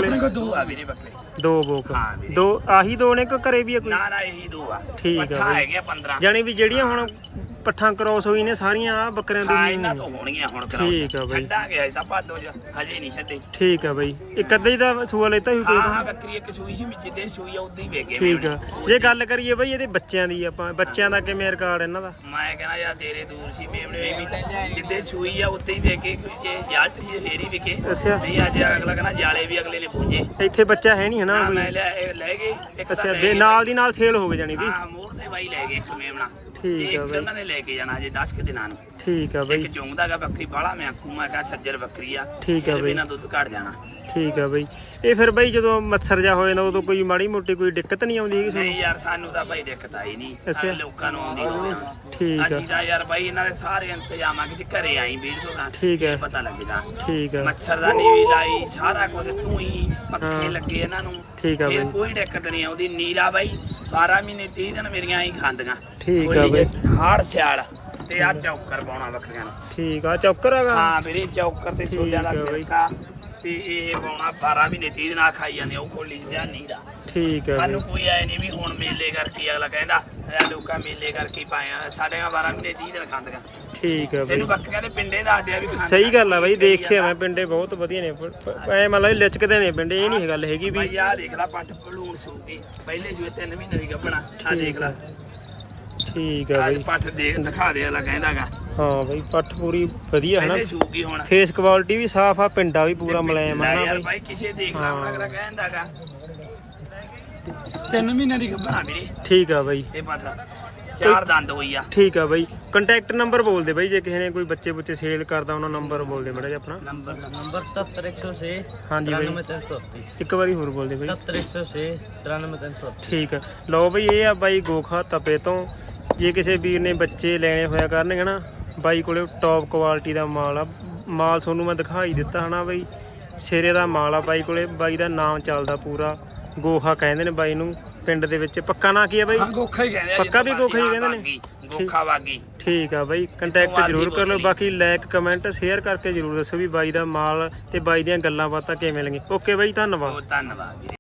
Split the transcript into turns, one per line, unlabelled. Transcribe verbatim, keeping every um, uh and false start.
ਕੋਲੇ ਦੋ ਆ ਵੀਰੇ ਬੱਕਰੇ ਦੋ ਬੋਕ ਦੋ ਆਹੀ ਦੋ ਨੇ ਕਿ ਘਰੇ ਵੀ ਆ ਕੋਈ ਨਾ ਨਾ ਇਹੀ ਦੋ ਆ ਠੀਕ ਆ ਹੈਗੇ ਪੰਦਰਾਂ ਜਾਨੀ ਵੀ ਜਿਹੜੀਆਂ ਹੁਣ ਪੱਠਾਂ ਕ੍ਰੋਸ ਹੋਈ ਨੇ ਸਾਰੀਆਂ ਆ ਬੱਕਰਿਆਂ ਦੀ ਇਹਨਾਂ ਤੋਂ ਹੋਣਗੀਆਂ ਹੁਣ ਕ੍ਰੋਸ ਠੀਕ ਆ ਬਈ ਛੱਡਾਂਗੇ ਅਜੇ ਤਾਂ ਭਾਦੋ ਚ ਹਜੇ ਨਹੀਂ ਛੱਡੇ ਠੀਕ ਆ ਬਈ ਇੱਕ ਅੱਧਾ ਹੀ ਦਾ ਸੂਆ ਲੈਤਾ ਹੀ ਕੋਈ ਹਾਂ ਬੱਕਰੀ ਇੱਕ ਸੂਈ ਸੀ ਜਿੱਦੇ ਸੂਈ ਆ ਉਦੋਂ ਹੀ ਵੇਗੇ ਠੀਕ ਆ ਜੇ ਗੱਲ ਕਰੀਏ ਬਈ ਇਹਦੇ ਬੱਚਿਆਂ ਦੀ ਆਪਾਂ ਬੱਚਿਆਂ ਦਾ ਕਿਵੇਂ ਰਿਕਾਰਡ ਇਹਨਾਂ ਦਾ ਮੈਂ ਕਹਿੰਦਾ ਯਾਰ ਤੇਰੇ ਦੂਰ ਸੀ ਮੇਮਣੇ ਵੀ ਜਿੱਦੇ ਸੂਈ ਆ ਉੱਤੇ ਹੀ ਵੇਗੇ ਜੇ ਜਾਲਟ ਸੀ ਫੇਰ ਹੀ ਵਿਕੇ ਅੱਛਾ ਨਹੀਂ ਅੱਜ ਅਗਲਾ ਕਹਿੰਦਾ ਜਾਲੇ ਵੀ ਅਗਲੇ ਨੇ ਪੂੰਜੇ ਇੱਥੇ ਬੱਚਾ ਹੈ ਨਹੀਂ ਹਨਾ ਕੋਈ ਮੈਂ ਲੈ ਗਏ ਇੱਕ ਅੱਛਾ ਨਾਲ ਦੀ ਨਾਲ ਸੇਲ ਹੋ ਗਏ ਜਾਨੀ ਵੀ ਹਾਂ ਮੋੜ ਤੇ ਬਾਈ ਲੈ ਗਏ ਇੱਕ ਮੇਮਣਾ ਠੀਕ ਆ ਬਈ ਉਹਨਾਂ ਨੇ ਲੈ ਕੇ ਜਾਣਾ ਅਜੇ ਦਸ ਕਿ ਦਿਨਾਂ ਨੂੰ ਠੀਕ ਆ ਬਈ ਇੱਕ ਚੁੰਗਦਾਗਾ ਬੱਕਰੀ ਬਾਲਾ ਮੈਂ ਆਖੂ ਮੈਂ ਕਹਾ ਸੱਜਰ ਬੱਕਰੀ ਆ ਠੀਕ ਆ ਬਈ ਇਹਨਾਂ ਦੁੱਧ ਘਟ ਜਾਣਾ ਠੀਕ ਆ ਬਈ ਇਹ ਫਿਰ ਬਈ ਜਦੋਂ ਮੱਛਰ ਜਾ ਹੋ ਜਾਂਦਾ ਉਦੋਂ ਕੋਈ ਮਾੜੀ ਮੋਟੀ ਕੋਈ ਦਿੱਕਤ ਨਹੀਂ ਆਉਂਦੀ ਹੈਗੀ ਨਹੀਂ ਯਾਰ ਸਾਨੂੰ ਤਾਂ ਬਈ ਦਿੱਕਤ ਆਈ ਨਹੀਂ ਅੱਛਾ ਲੋਕਾਂ ਨੂੰ ਆਉਂਦੀ ਹੋਵੇ ਠੀਕ ਆ ਅਸੀਂ ਤਾਂ ਯਾਰ ਬਈ ਇਹਨਾਂ ਦੇ ਸਾਰੇ ਇੰਤਜ਼ਾਮਾਂ ਕਿ ਘਰੇ ਆਈ ਵੀਰ ਤੋਂ ਠੀਕ ਆ ਪਤਾ ਲੱਗਦਾ ਠੀਕ ਆ ਮੱਛਰਦਾਨੀ ਵੀ ਲਾਈ ਸਾਰਾ ਕੁਝ ਤੂੰ ਹੀ ਪੱਖੇ ਲੱਗੇ ਇਹਨਾਂ ਨੂੰ ਠੀਕ ਆ ਬਈ ਕੋਈ ਦਿੱਕਤ ਨਹੀਂ ਆਉਂਦੀ ਨੀਰਾ ਬਈ ਬਾਰਾਂ ਮਹੀਨੇ ਤੀਹ ਦਿਨ ਮੇਰੀਆਂ ਹੀ ਖਾਂਦੀਆਂ ਠੀਕ ਆ ਬਈ ਹਾੜ ਸਿਆਲ ਤੇ ਆ ਚੌਕਰ ਪਾਉਣਾ ਬੱਕਰੀਆਂ ਨੂੰ ਠੀਕ ਆ ਚੌਕਰ ਹੈਗਾ ਹਾਂ ਵੀਰੇ ਚੌਕਰ ਤੇ ਛੋਲਿਆਂ ਦਾ ਸਿਰਕਾ ਤੇ ਇਹ ਪਾਉਣਾ ਬਾਰਾਂ ਮਹੀਨੇ ਤੀਹ ਦਿਨ ਆ ਖਾਈ ਜਾਂਦੇ ਉਹ ਖੋਲੀ ਜਿਹਾ ਨੀਰਾ ਠੀਕ ਹੈ ਸਾਨੂੰ ਕੋਈ ਆਏ ਨਹੀਂ ਵੀ ਹੁਣ ਮੇਲੇ ਕਰਕੇ ਅਗਲਾ ਕਹਿੰਦਾ ਇਹ ਲੋਕਾਂ ਮੇਲੇ ਕਰਕੇ ਪਾਇਆ ਸਾਡੇ ਬਾਰਾਂ ਮਹੀਨੇ ਤੀਹ ਦਿਨ ਖਾਂਦੀਆਂ ਠੀਕ ਹੈ ਤੈਨੂੰ ਬੱਕਰੀਆਂ ਦੇ ਪਿੰਡੇ ਦੱਸਦੇ ਆ ਵੀ ਸਹੀ ਗੱਲ ਆ ਬਾਈ ਦੇਖਿਆ ਮੈਂ ਪਿੰਡੇ ਬਹੁਤ ਵਧੀਆ ਨੇ ਐ ਮਤਲਬ ਲਿਚਕਦੇ ਨੇ ਪਿੰਡੇ ਇਹ ਨਹੀਂ ਗੱਲ ਹੈਗੀ ਵੀ ਆ ਦੇਖ ਲੈ ਪੱਟ ਭਲੂਣ ਸੂਟੀ ਪਹਿਲੇ ਸੂਏ ਤਿੰਨ ਮਹੀਨੇ ਦੀ ਗੱਭਣਾ ਆ ਦੇਖ ਲੈ ਠੀਕ ਆ ਬਈ ਪੱਠ ਦੇਖ ਦਿਖਾ ਦੇ ਅਗਲਾ ਕਹਿੰਦਾਗਾ ਹਾਂ ਬਈ ਪੱਠ ਪੂਰੀ ਵਧੀਆ ਹੈ ਨਾ ਸੂਗੀ ਹੁਣ ਫੇਸ ਕੁਆਲਿਟੀ ਵੀ ਸਾਫ ਆ ਪਿੰਡਾ ਵੀ ਪੂਰਾ ਮੁਲਾਇਮ ਆ ਨਾ ਬਈ ਕਿਸੇ ਦੇਖ ਲਾ ਹੁਣ ਅਗਲਾ ਕਹਿੰਦਾਗਾ ਤਿੰਨ ਮਹੀਨੇ ਦੀ ਗੱਭਣਾ ਵੀਰੇ ਠੀਕ ਆ ਬਈ ਇਹ ਪੱਠ ਚਾਰ ਦੰਦ ਹੋਈ ਆ ਠੀਕ ਆ ਬਈ ਕੰਟੈਕਟ ਨੰਬਰ ਬੋਲ ਦੇ ਬਈ ਜੇ ਕਿਸੇ ਨੇ ਕੋਈ ਬੱਚੇ ਬੁੱਚੇ ਸੇਲ ਕਰਦਾ ਉਹਨਾਂ ਨੰਬਰ ਬੋਲ ਦੇ ਮੜਾ ਜੀ ਆਪਣਾ ਨੰਬਰ ਨੰਬਰ ਸਤੱਤਰ ਇੱਕ ਸੌ ਛੇ ਹਾਂਜੀ ਬਈ ਇੱਕ ਵਾਰੀ ਹੋਰ ਬੋਲ ਦੇ ਬਈ ਸਤੱਤਰ ਇੱਕ ਸੌ ਛੇ ਤਰਾਨਵੇਂ ਤਿੰਨ ਸੌ ਠੀਕ ਆ ਲਓ ਬਈ ਇਹ ਆ ਬਾਈ ਗੋਖਾ ਤਪੇ ਤੋਂ ਜੇ ਕਿਸੇ ਵੀਰ ਨੇ ਬੱਚੇ ਲੈਣੇ ਹੋਇਆ ਕਰਨਗੇ ਨਾ ਬਾਈ ਕੋਲੇ ਟੌਪ ਕੁਆਲਿਟੀ ਦਾ ਮਾਲ ਆ ਮਾਲ ਤੁਹਾਨੂੰ ਮੈਂ ਦਿਖਾਈ ਦਿੱਤਾ ਹਨਾ ਬਈ ਸਿਰੇ ਦਾ ਮਾਲ ਆ ਬਾਈ ਕੋਲੇ ਬਾਈ ਦਾ ਨਾਮ ਚੱਲਦਾ ਪੂਰਾ ਗੋਖਾ ਕਹਿੰਦੇ ਨੇ ਬਾਈ ਨੂੰ ਪਿੰਡ ਦੇ ਵਿੱਚ ਪੱਕਾ ਨਾਂ ਕੀ ਆ ਬਾਈ ਗੋਖਾ ਹੀ ਕਹਿੰਦੇ ਆ ਪੱਕਾ ਵੀ ਗੋਖਾ ਹੀ ਕਹਿੰਦੇ ਨੇ ਗੋਖਾ ਵਾਗੀ ਠੀਕ ਆ ਬਾਈ ਕੰਟੈਕਟ ਜ਼ਰੂਰ ਕਰ ਲਓ ਬਾਕੀ ਲਾਈਕ ਕਮੈਂਟ ਸ਼ੇਅਰ ਕਰਕੇ ਜ਼ਰੂਰ ਦੱਸੋ ਵੀ ਬਾਈ ਦਾ ਮਾਲ ਤੇ ਬਾਈ ਦੀਆਂ ਗੱਲਾਂ ਬਾਤਾਂ ਕਿਵੇਂ ਲੱਗੀਆਂ ਓਕੇ ਬਾਈ ਧੰਨਵਾਦ ਧੰਨਵਾਦ